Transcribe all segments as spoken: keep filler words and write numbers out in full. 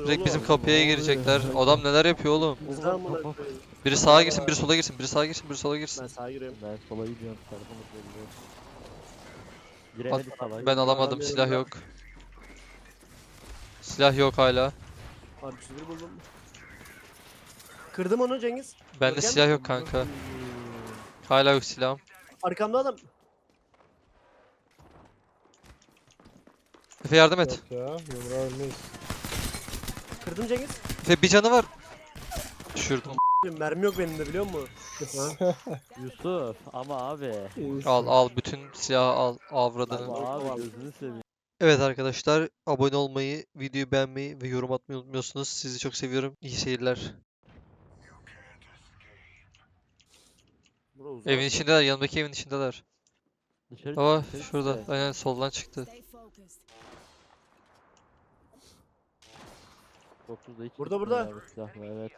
Direkt bizim oğlum? kapıya girecekler. Adam neler yapıyor oğlum? Bizden amına koyayım. Biri sağa girsin, biri sola girsin, biri sağa girsin, biri sola girsin. Ben sağa giriyorum. Ben sola gidiyorum, tarafımız belli. Al, Giremedik salak. ben alamadım, Adam silah yanımda. yok. Silah yok hala. Abi çizgi buldum. Kırdım onu Cengiz. Bende Görkem silah mi? yok kanka. Hala yok silahım. Arkamda adam. Efe yardım et. Yok ya, yumruğa ölmeyiz. Kırdım Cengiz. Efe bir canı var. Düşürdüm. Mermi yok benim de biliyor musun? Yusuf ama abi. Al al bütün silahı al avradını. Ama abi gözünü seveyim. Evet arkadaşlar, abone olmayı, videoyu beğenmeyi ve yorum atmayı unutmuyorsunuz. Sizi çok seviyorum. İyi seyirler. Bura uzak. Evin içindeler, yanımdaki evin içindeler. Dışarı Baba çık, dışarı şurada, çık. aynen soldan çıktı. Stay focused. dokuzda hiç Burada, gitmiyor burada. abi silahla, evet.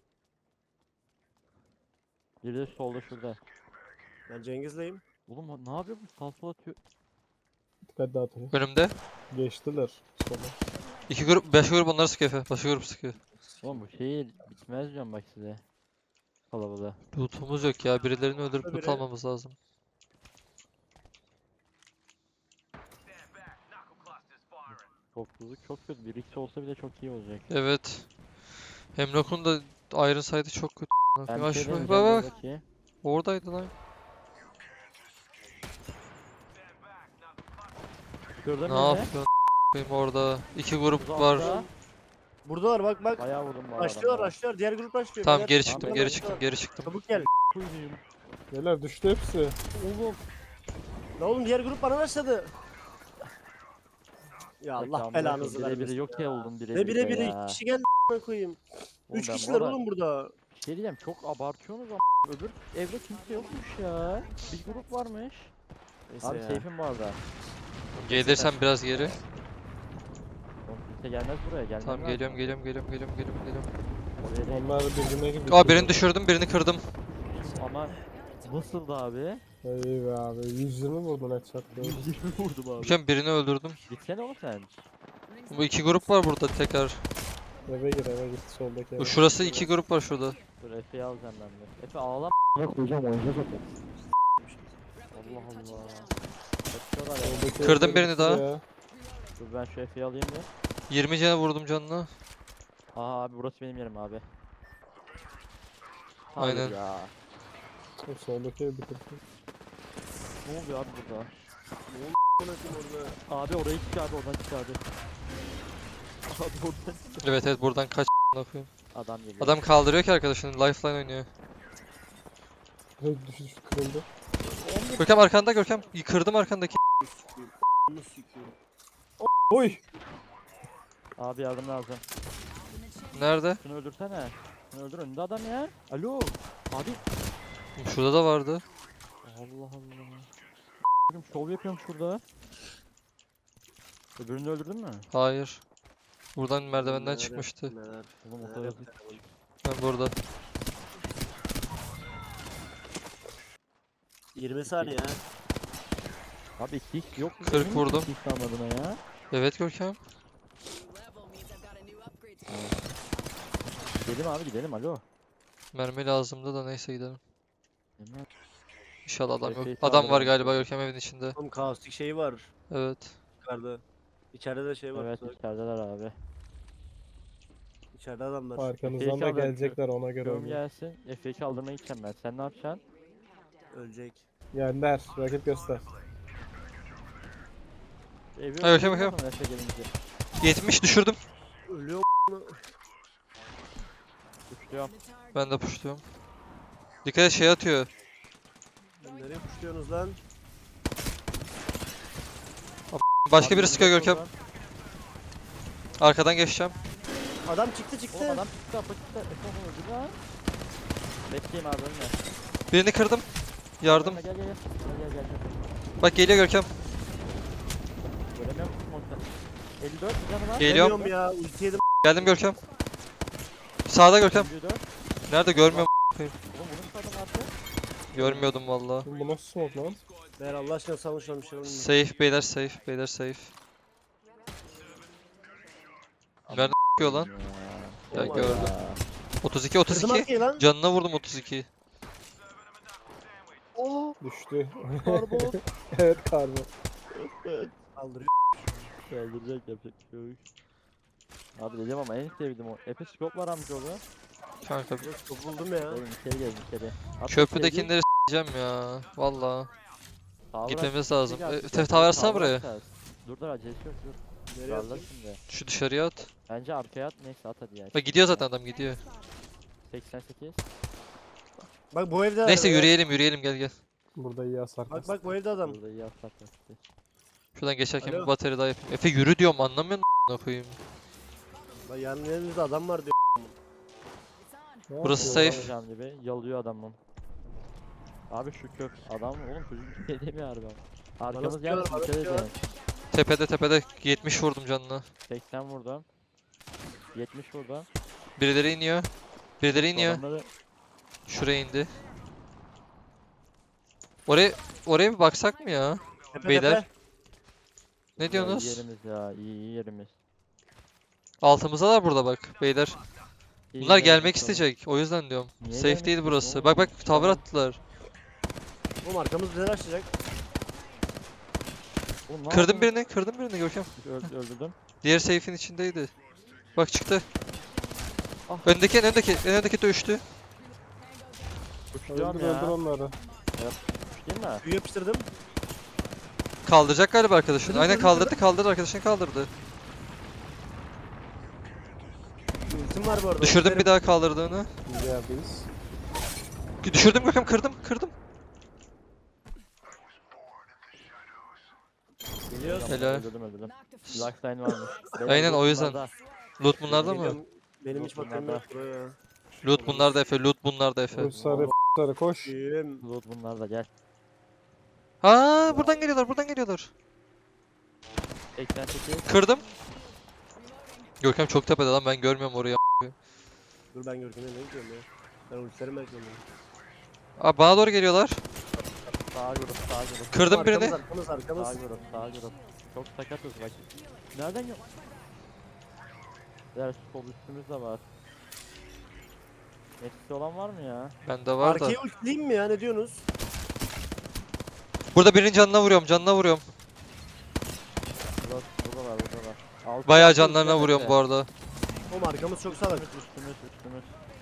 Biri de solda şurada. Ben Cengiz'leyim. Oğlum ne yapıyor bu? Sağ sola atıyor. Dikkat dağıtın. Önümde. Geçtiler. Sola. İki grup, beş grup onları sıkıyor Efe. Başka grup sıkıyor. Oğlum bu şey bitmez diyorum bak size. Kalabalığa. Lootumuz yok ya. Birilerini öldürüp loot Biri- almamız lazım. Topluluk çok kötü. Bir iki olsa bile çok iyi olacak. Evet. Hemlock'un da Iron Sight'ı çok kötü. Ben Ya bir şey şu deneyeceğim bak bak. buradaki. Oradaydı lan. Şurada Ne mıydı? yapıyorsun a**ayım orada? İki grup Uzakta. var. Buradalar bak bak. Bayağı vurdum bu arada. Başlıyor başlıyor. Diğer grup başlıyor. Tamam beyler. geri Tamam, çıktım, ben geri de- çıktım, geri çıktım. Çabuk gel. Beyler düştü hepsi. Oğlum. La oğlum diğer grup bana başladı. Ya Allah belanızı Bire biri vermesin. yok ya oldum bire Ne bire bire ya. iki kişi geldi a**ına koyayım. Oğlum Üç ben bu kişiler arada oğlum burada. Bir şey diyeceğim, çok abartıyorsunuz ama öbür evde kimse yokmuş ya. Bir grup varmış. Neyse Abi ya. safe'im bu arada. Gelirsen biraz geri. Oğlum kimse gelmez buraya, gelmez. Tamam geliyorum, geliyorum, geliyorum, geliyorum, geliyorum, geliyorum. Oraya değil. Onlar birbirine gibi. Aa birini düşürdüm, birini kırdım. Ama nasıldı abi? İyi be abi. yüz yirmi vurdun headshot'la. yüz yirmi vurdum abi. Hocam birini öldürdüm. Gitsene oğlum sen. Bu iki grup var burada tekrar. Eve gir eve git soldaki eve. Bu şurası iki grup var şurada. Dur Efe'yi alacağım ben de. Efe ağlama. Ne koyacağım oynayacağız zaten. Allah Allah. Kaçıyorlar ya. Soldaki Kırdım evde birini bitti daha. ya. Dur ben şu Efe'yi alayım bir. yirmi cana vurdum canına. Aa abi burası benim yerim abi. Hayır Aynen. ya. O soldaki ev bitirdi. Ne oluyor abi burada? Amına koyayım orada. Abi oraya çık abi, oradan çık abi. Abi oradan çık. Evet evet buradan kaç a**ına koyayım. Adam geliyor. Adam kaldırıyor ki arkadaşını. Lifeline oynuyor. Hey, düştü düştü kırıldı. Görkem arkanda Görkem. Kırdım arkandaki. Bunu sikeyim. Oy! Abi yardım lazım. Nerede? Şunu öldürsene. Şunu öldür, önünde adam ya. Alo. Abi. Şurada da vardı. Allah Allah. Oğlum şov yapıyorum şurada. Öbürünü de öldürdün mü? Hayır. Buradan merdivenden Neler, çıkmıştı. neler, Oğlum o neler kadar yaptık. Ben burada. yirmi saniye ha. Abi iki x yok mu? kırk Emin vurdum. misin iki x almadığına ya. Evet Görkem. New level means I've got a new upgrade to Gidelim abi gidelim, alo. Mermi lazımdı da neyse gidelim. Gidelim abi. İnşallah adam yok. Epey Adam var saldırı galiba var. Görkem evin içinde. Oğlum kaostik şeyi var Evet. yukarıda. İçeride de şey var. Evet tuzak. içerideler abi. İçeride adamlar. Arkanızdan da çaldı. gelecekler ona göre Görüm oynayın. gelsin. Efe'yi kaldırmaya gideceğim ben. Sen ne yapacaksın? Ölecek. Yenler. Rakip göster. Evi Ha, Görkem, öldürdün Görkem. mü Efe gelince? yetmiş düşürdüm. Ölüyor. Uçluyorum. the target. Ben de pushluyorum. Dikkat et şey atıyor. Lan nereye puşluyorsunuz lan? Başka Abi biri sıkıyor önünde Görkem. soldan. Arkadan geçeceğim. Adam çıktı çıktı. Oğlum adam çıktı, apa çıktı. Efe onu öldürdü lan. Bekleyeyim abi önüne. Birini kırdım. Yardım. Gel gel gel. Gel gel gel. gel. Bak geliyor Görkem. Göremiyorum smoke'tan. elli dört canı var. Geliyorum. Ölüyorum ya. Ulti yedim. Geldim Görkem. Sağda Görkem. elli dört. Nerede görmüyorum. Oğlum bunun adam attı. Görmüyordum valla. Oğlum bu nasıl smoke lan? Ver Allah aşkına savun şunu bir şey olmuyor. Safe beyler safe. Beyler safe. Nerede Çıkıyor lan. Ya, Ya Oh my gördüm. God. otuz iki Kırdım otuz iki. arkayı lan. Canına vurdum otuz iki. Düştü. Karbon. Evet karbon. Kaldırıyor. Öldürecek yapacak bir şey yok. Abi dedim ama en sevdiğim o. Epe scope var amca oğlum. Kanka Çok buldum ya. Oğlum içeri gelin içeri. At köprüdekileri s**eceğim ya. Valla. Tower Gitmemiz aç, lazım. içeri E, aç, te- içeri tower aç, atsana tower buraya. atacağız. Dur dur acelesi yok dur. Nereye Darla atayım? şimdi. Şu dışarıya at. Bence arkaya at neyse at hadi ya. Bak gidiyor zaten adam gidiyor. seksen sekiz. Bak bu evde Neyse var. yürüyelim yürüyelim gel gel. Burada iyi hasar Bak kastı. bak bu evde adam. Burada iyi atlar taktı. Şuradan geçerken Alo. bir bateri daha yapayım. Efe yürü diyorum anlamıyor musun koyayım. Bak yanın elimizde adam var diyor. Ne Burası yapıyor safe. lan? Alacağım gibi yalıyor adamın. Abi şu kök adam oğlum çocuk bir şey demiyor harbi. Arkamız sıkıyorlar, gelmiş bana dikkat sıkıyorlar. edin. Tepede tepede yetmiş vurdum canına. seksen vurdum. yetmiş vurdum. Birileri iniyor. Birileri iniyor. Adamları Şuraya indi. Oraya oraya bir baksak mı ya? Tepe Beyler. tepe. Ne Ya iyi diyorsunuz? yerimiz ya iyi iyi yerimiz. Altımızdalar burada bak beyler. İyi Bunlar yerimiz gelmek oğlum. isteyecek. O yüzden diyorum. Niye Safe gelmek değil istiyorsun burası. oğlum? Bak bak tavır Tamam. attılar. Oğlum arkamız bize açacak. Oğlum ne Kırdım yaptın? birini, kırdım birini Görkem. Öl- öldürdüm. Diğer safe'in içindeydi. Bak çıktı. Ah. Öndeki en öndeki, en öndeki de uçtu. Uçluyorum Öldür ya. öldür onları. Uç değil mi? Tüy yapıştırdım. Kaldıracak galiba arkadaşını. Kırdım, Aynen kırdım, kaldırdı, kaldırdı arkadaşını kaldırdı. Ultim var bu arada. Düşürdüm ultilerim. bir daha kaldırdığını. Biz yerdeyiz. Düşürdüm Görkem, kırdım, kırdım. Geliyoruz. Helal. Öldürdüm öldürdüm. Lifeline varmış. Aynen, o yüzden. bunlarda. Loot bunlarda mı? Geliyorum. Benim hiç Yok, bakayım bunlarda. yok buraya. Loot bunlarda Efe, loot bunlarda Efe. Koş sarı sarı koş. Tüyüm. Loot bunlarda gel. Ha, buradan geliyorlar, buradan geliyorlar. seksen sekiz. Kırdım. Görkem çok tepede lan, ben görmüyorum orayı. Dur ben Görkem'e ne gidiyorum ya. Ben ultilerimi bekliyorum. Abi bana doğru geliyorlar. Sağ grup sağ grup. Kırdım Arkamız, birini. Arkamız Sağ arkamız. grup sağ grup. Çok sakatız bak. Nereden yok? Diğer sol üstümüz de var. Etkisi olan var mı ya? Bende var da. Arkayı ultileyim mi ya ne diyorsunuz? Burada birinin canına vuruyorum, canına vuruyorum. Burada, burada var burada var. Altı Bayağı üstümüz canlarına var vuruyorum Efe. bu arada. Oğlum arkamız çok salak. Üstümüz üstümüz üstümüz.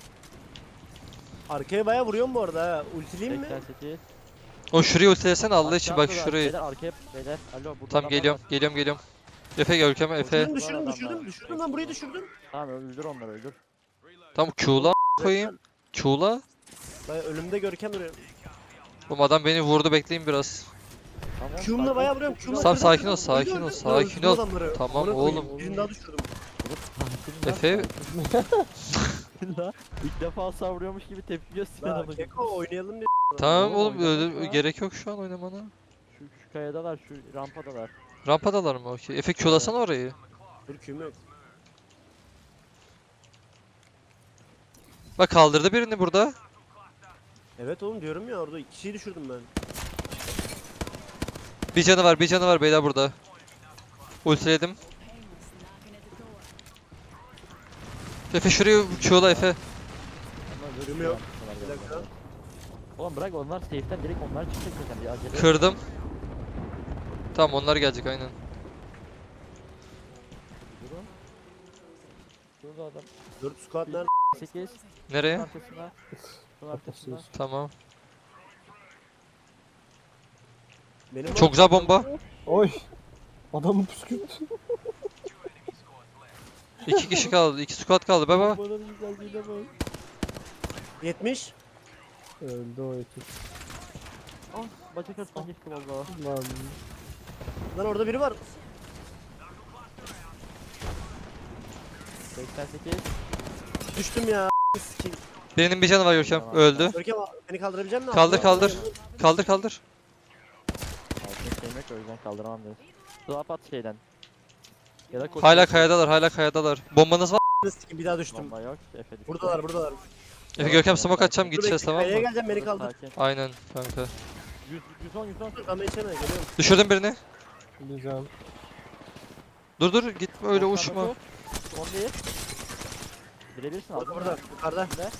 Arkaya bayağı vuruyorum bu arada ha. Ultileyim mi? seksen sekiz. O şurayı ultilesene Allah için, bak Aşağı şurayı. Beyler arkaya beyler. Alo burada Tamam adamlar geliyorum, var. geliyorum, geliyorum. Efe Görkem, Efe. Düşürdüm düşürdüm Var düşürdüm adamlar. düşürdüm lan burayı düşürdüm. Tamam öldür onları öldür. Tamam Q'la koyayım. Q'la. Bayağı önümde Görkem duruyor. Bu adam beni vurdu, bekleyin biraz. Tamam. Q'umla sakin bayağı ol, vuruyorum. sakin Q'umla ol. Tamam, öldürdüm, sakin ol, öldürdüm, sakin öldürdüm, ol, öldürdüm sakin ol. adamları. Tamam Amına koyayım, oğlum. Birini daha düşürdüm. Sakin lan, Efe- sakin lan. İlk defa savuruyormuş gibi tepki gösteriyor La adamı. Keko oynayalım diye. Tamam Oğlum, oğlum, oynadık öyle- ya. gerek yok şu an oynamana. Şu, şu kayadalar, şu rampadalar. Rampadalar mı? Okey. Efe Q'lasana orayı. Dur Q'm yok. Bak kaldırdı birini burada. Evet oğlum diyorum ya orada iki kişiyi düşürdüm ben. Bir canı var, bir canı var beyler burada. Ultiledim. Efe şurayı Q'la Efe. Onlar Ölüm böyle yok. yapmışlar Bir galiba. dakika. Oğlum bırak onlar safe'den direkt onlar çıkacak zaten bir acele. yok. Kırdım. Tamam onlar gelecek aynen. Durun. Şurada adam. dört squad nerede? sekiz. Nereye? Arkasında. Şunun arkasında. Tamam. Benim Çok güzel bomba. Oy. Adamı püskürttü. İki kişi kaldı, iki squad kaldı. Baba. Bana bir güzelliğine bak. yetmiş. Öldü o ekip. Ah bacak arasından geçti valla. Lan. Lan orada biri var. seksen sekiz. Düştüm ya. Sikeyim. Birinin bir canı var Görkem. Tamam. Öldü. Görkem beni kaldırabilecek misin? Kaldır, Altına- kaldır. Kaldır kaldır. Altın şeyim yok o yüzden kaldıramam dedi. Swap at şeyden. Ya da koş. Hala kayadalar, hala kayadalar. Bombanız var. Sikeyim, bir daha düştüm. Bomba yok. Efe düştü. Buradalar buradalar. Efe Görkem smoke atacağım, Dur gideceğiz bekle, tamam kayaya mı? geleceğim beni kaldır. Sakin. Aynen kanka. yüz, yüz on, yüz on. Dur ama içeme geliyorum. Düşürdüm birini. Bir can. Dur dur gitme öyle Ortada uçma. top. on bir. Birebirsin abi. Burada burada yukarıda. Ne?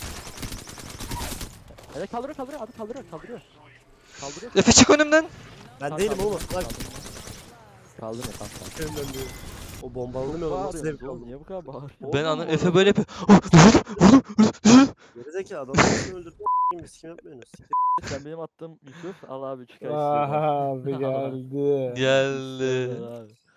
Evet kaldırıyor kaldırıyor abi kaldırıyor kaldırıyor. Kaldırıyor. Efe çık önümden. Ben değilim oğlum. Bak Kaldırıyor kanka. önümden değil. O bombaladım ya oğlum. Nasıl zevk Bağırıyorsun oğlum aldım. niye bu kadar bağırıyorsun? Ben anı Oğlum, Efe oğlum. böyle yapıyor. Oh, vurdum, vurdum, vurdum. Gerizekalı adamı nasıl öldürdün? Biz kim yapmıyorsunuz? Siktir. Sen benim attığım Yusuf al abi çıkar Aha abi geldi. Geldi. abi.